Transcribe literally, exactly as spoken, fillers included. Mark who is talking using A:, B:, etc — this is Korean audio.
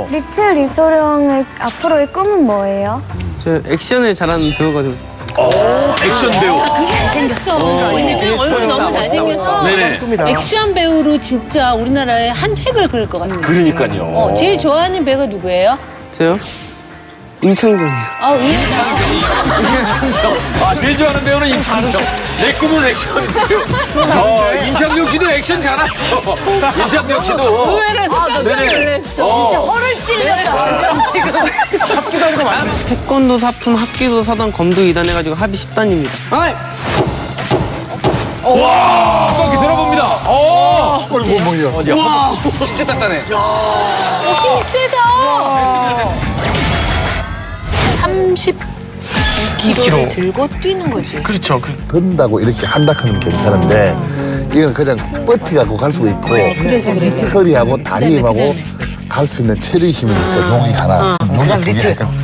A: 어.
B: 리틀 이소룡의 앞으로의 꿈은 뭐예요?
C: 저 액션을 잘하는 배우거든요.
A: 어, 액션 배우.
D: 잘생겼어. 왜냐면 얼굴이 너무 잘생겨서
A: 네네.
D: 액션 배우로 진짜 우리나라에 한 획을 그을 것 같아요.
A: 그러니까요.
D: 어, 제일 좋아하는 배우가 누구예요?
C: 저요? 임창정이요.
D: 아, 임창정.
A: 임창정. 아, 제일 좋아하는 배우는 임창정. 내 꿈은 액션 배우. 어, 임창정 씨도 액션 잘하죠. 임창정 씨도.
D: 의외로 깜짝 놀랐어.
A: 어.
D: 허를 찔렸다.
C: 태권도 사품 합기도 사단 검도 이단 해가지고 합의 십 단입니다.
A: 와, 한 바퀴 들어봅니다. 어.
E: 어이구 뭐야.
A: 와,
F: 진짜 단단해.
D: 힘이 세다. 삼십 킬로그램을 들고 뛰는 거지.
E: 그렇죠. 든다고 이렇게 한다 하면 괜찮은데 이건 그냥 버티갖고 갈 수가 있고 허리하고 다리하고 갈 수 있는 체리 힘이니까 용이 하나, 용이 두 개.